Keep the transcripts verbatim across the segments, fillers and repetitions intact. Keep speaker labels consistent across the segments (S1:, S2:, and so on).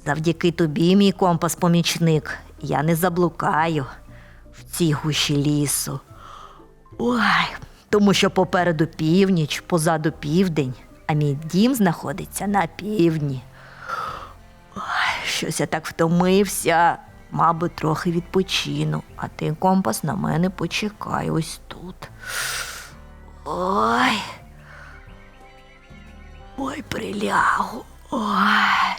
S1: Завдяки тобі, мій компас-помічник, я не заблукаю в цій гущі лісу. Ой, тому що попереду північ, позаду південь, а мій дім знаходиться на півдні. Ой, щось я так втомився. Мабуть, трохи відпочину, а ти, компас, на мене почекай ось тут. Ой. Ой, прилягу. Ой.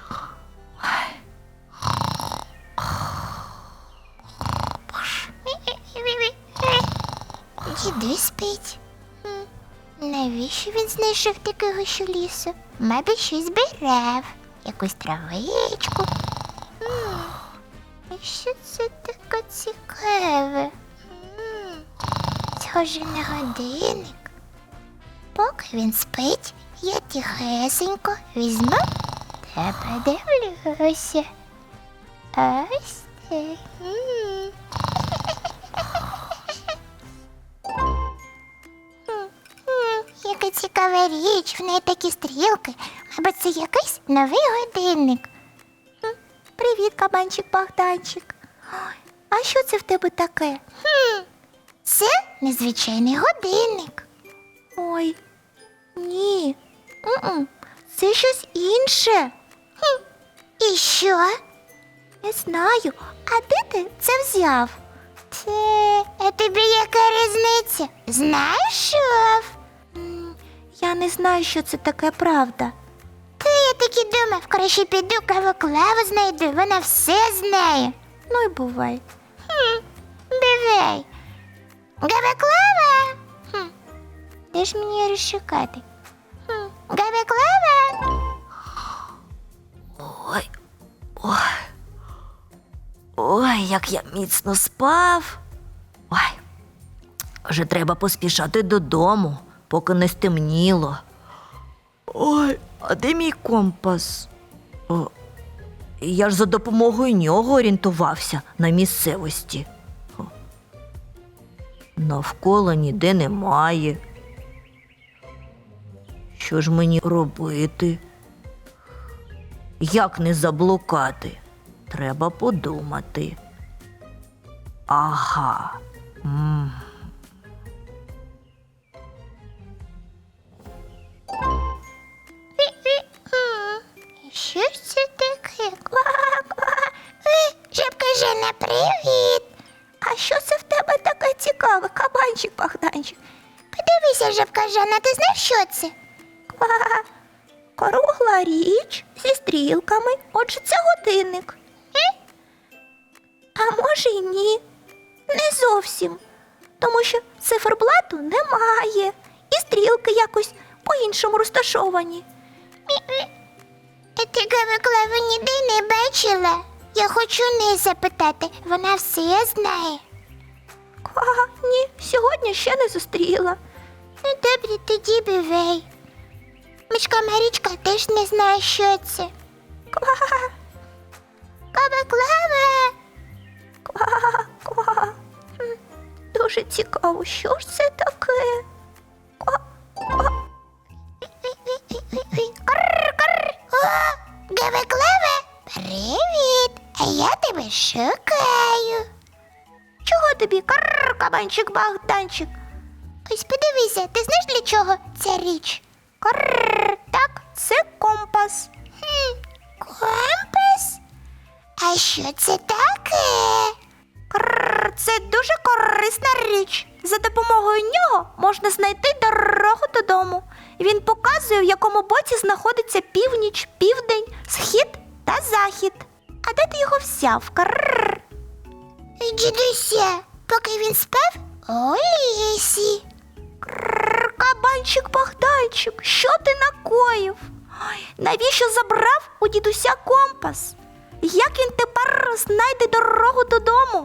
S2: Дідусь спить. М, Навіщо він знайшов таку гущу лісу? Мабуть, щось збирав. Якусь травичку. М, І що це таке цікаве? М, Схоже на годинник. Поки він спить, я тихесенько візьму та подивлюся. Ось так. М. М, Яка цікава річ, в неї такі стрілки. Або це якийсь новий годинник. М, Привіт, кабанчик Богданчик. Ой, а що це в тебе таке? Хм, Це незвичайний годинник. Ой, ні. М-м, Це щось інше. Хм, І що? Не знаю. А де ти це взяв? Це, а тобі яка різниця? Знайшов? М, Я не знаю, що це таке, правда. Та я так і думав, краще піду каву-клаву знайду, вона все знає. Ну й бувай. Хм, бувай. Гава-клава? Хм, де ж мені її розшукати? Хм, Гава-клава?
S1: Ой, ой. Ой, як я міцно спав. Ой, вже треба поспішати додому, поки не стемніло. Ой, а де мій компас? О, я ж за допомогою нього орієнтувався на місцевості. О, навколо ніде немає. Що ж мені робити? Як не заблукати? Треба подумати. Ага. М.
S2: М, Що ж це таке? Ква-ква. Е, Жабка Жена, привіт! А що це в тебе таке цікаве, кабанчик Богданчик? Подивися, Жабка Жена, ти знаєш, що це? Ква. Кругла річ зі стрілками. Отже, це годинник. Е? А може й ні. Не зовсім. Тому що циферблату немає. І стрілки якось по-іншому розташовані. А ти Гава-клаву ніде не бачила? Я хочу у неї запитати, вона все знає. Ква, ні, сьогодні ще не зустріла. Ну добре, тоді бувай. Мишка Марічка теж не знає, що це. Ква. Гава-клава. Ква, ква. М, Дуже цікаво, що ж це таке? Ква, ква. Карр-карр. О, Гава-клава, привіт! А я тебе шукаю. Чого тобі, карр, кабанчик Богданчик? Ось подивися, ти знаєш, для чого ця річ? Карр, так, це компас. Хм, компас? А що це таке? Карр, це дуже корисна річ. За допомогою нього можна знайти дорогу додому. Він показує, в якому боці знаходиться північ, південь, схід та захід. А де ти його взяв? Карр. Дідуся, поки він спав у лісі. Крррр, кабанчик Богданчик, що ти накоїв? Ой, навіщо забрав у дідуся компас? Як він тепер знайде дорогу додому?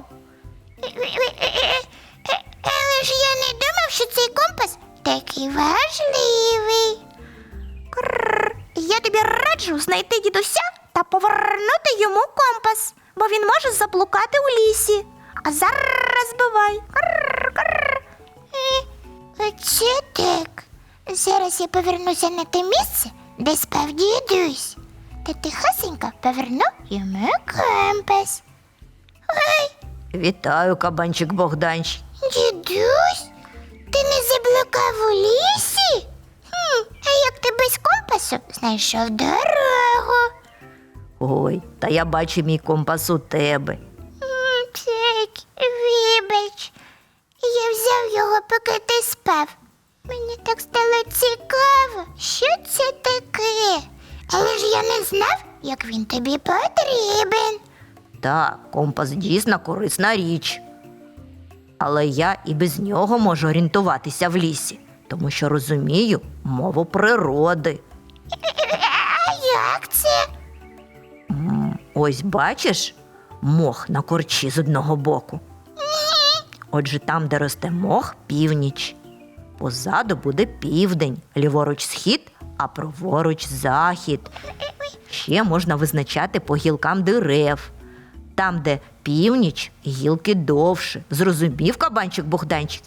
S2: Але ж я не думав, що цей компас такий важливий. Крррр, я тобі раджу знайти дідуся та повернути йому компас, бо він може заблукати у лісі. А зараз бувай. Крррр, крррр. Е, Оце так. Зараз я повернуся на те місце, де спав дідусь. та тихесенько поверну йому компас. Ой,
S1: Вітаю, кабанчик Богданчик.
S2: дідусь, ти не заблукав у лісі? Хм, а як ти без компасу знайшов дорогу?
S1: Ой, та я бачу мій компас у тебе.
S2: М, Так, вибач. Я взяв його, поки ти спав. Мені так стало цікаво, що це таке. Але ж я не знав, як він тобі потрібен.
S1: Так, компас дійсно корисна річ. Але я і без нього можу орієнтуватися в лісі, тому що розумію мову природи.
S2: А як це?
S1: М, Ось бачиш мох на корчі з одного боку. Отже, там, де росте мох, північ. Позаду буде південь, ліворуч схід, а праворуч захід. Ще можна визначати по гілкам дерев. Там, де північ, гілки довше. Зрозумів, кабанчик Богданчик?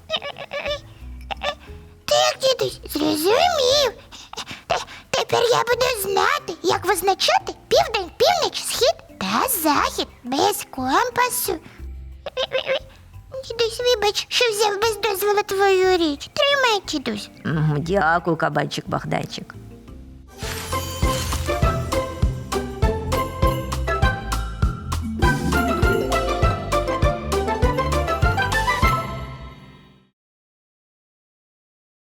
S2: Так, дідусь, зрозумів. Т- Тепер я буду знати, як визначати південь, північ, схід та захід без компасу. Дідусь, вибач, що взяв без дозволу твою річ. Тримай, дідусь.
S1: М, Дякую, кабанчик Богданчик.